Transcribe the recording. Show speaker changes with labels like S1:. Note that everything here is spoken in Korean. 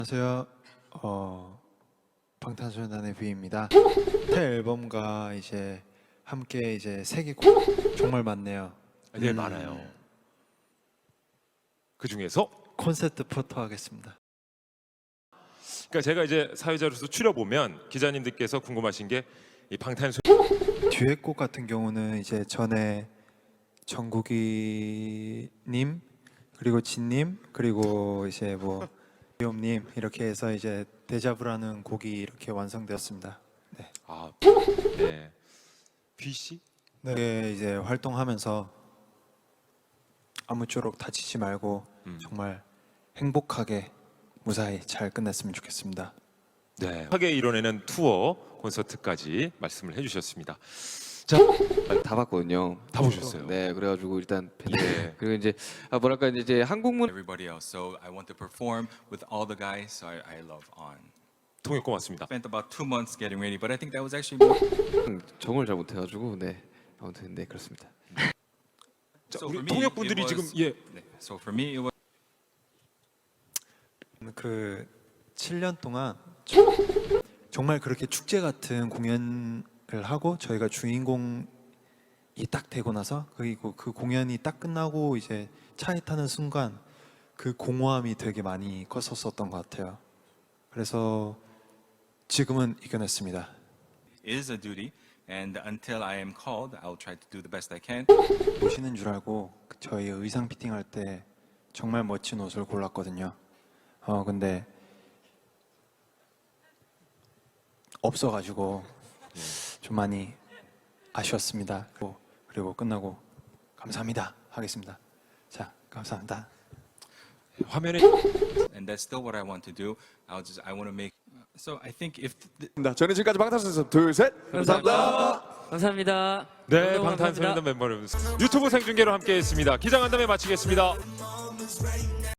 S1: 안녕하세요. 방탄소년단의 뷔입니다. 새 앨범과 이제 함께 이제 세계 정말 많네요.
S2: 네, 많아요. 그 중에서
S1: 콘서트 포토 하겠습니다.
S2: 그러니까 제가 이제 사회자로서 추려보면 기자님들께서 궁금하신 게 이 방탄소
S1: 듀엣곡 같은 경우는 이제 전에 정국이님 그리고 진님 그리고 이제 뭐 비옴님 이렇게 해서 이제 데자부라는 곡이 이렇게 완성되었습니다. 네.
S2: 네. 뷔 씨?
S1: 네, 이제 활동하면서 아무쪼록 다치지 말고 정말 행복하게 무사히 잘 끝냈으면 좋겠습니다.
S2: 네. 하게 이뤄내는 투어 콘서트까지 말씀을 해주셨습니다.
S3: 다 봤거든요.
S2: 다 보셨어요?
S3: 네, 그래가지고 일단
S2: 네.
S3: 그리고 이제 뭐랄까 이제 한국문
S4: everybody else. So I want to perform with all the guys. So I love On.
S2: 통역 고맙습니다.
S4: Spent about 2 months getting ready, but I think that was actually more.
S3: 정을 잘 못해가지고 네 아무튼 네 그렇습니다.
S2: 자,
S4: So
S2: 우리
S4: for me,
S2: 통역분들이
S4: it
S2: 지금
S4: was-
S2: 예
S4: 네. So for me, it was.
S1: 그 7년 동안 정말 그렇게 축제 같은 공연을 하고 저희가 주인공이 딱 되고 나서 그리고 그 공연이 딱 끝나고 이제 차에 타는 순간 그 공허함이 되게 많이 컸었던 것 같아요. 그래서 지금은 이겨냈습니다.
S4: Is a duty, and until I am called, I'll try to do the best I can.
S1: 오시는 줄 알고 저희 의상 피팅할 때 정말 멋진 옷을 골랐거든요. 근데 없어가지고 좀 많이 아쉬웠습니다. 그리고 끝나고 감사합니다 하겠습니다. 자, 감사합니다.
S2: 화면에
S4: And that's still what I want to do. I want to make. So I think if
S5: 저는 지금까지 방탄소년단 둘, 셋. 감사합니다.
S6: 감사합니다.
S2: 네
S6: 너무
S2: 방탄소년단
S6: 감사합니다.
S2: 멤버는 유튜브 생중계로 함께했습니다. 기자간담회 마치겠습니다.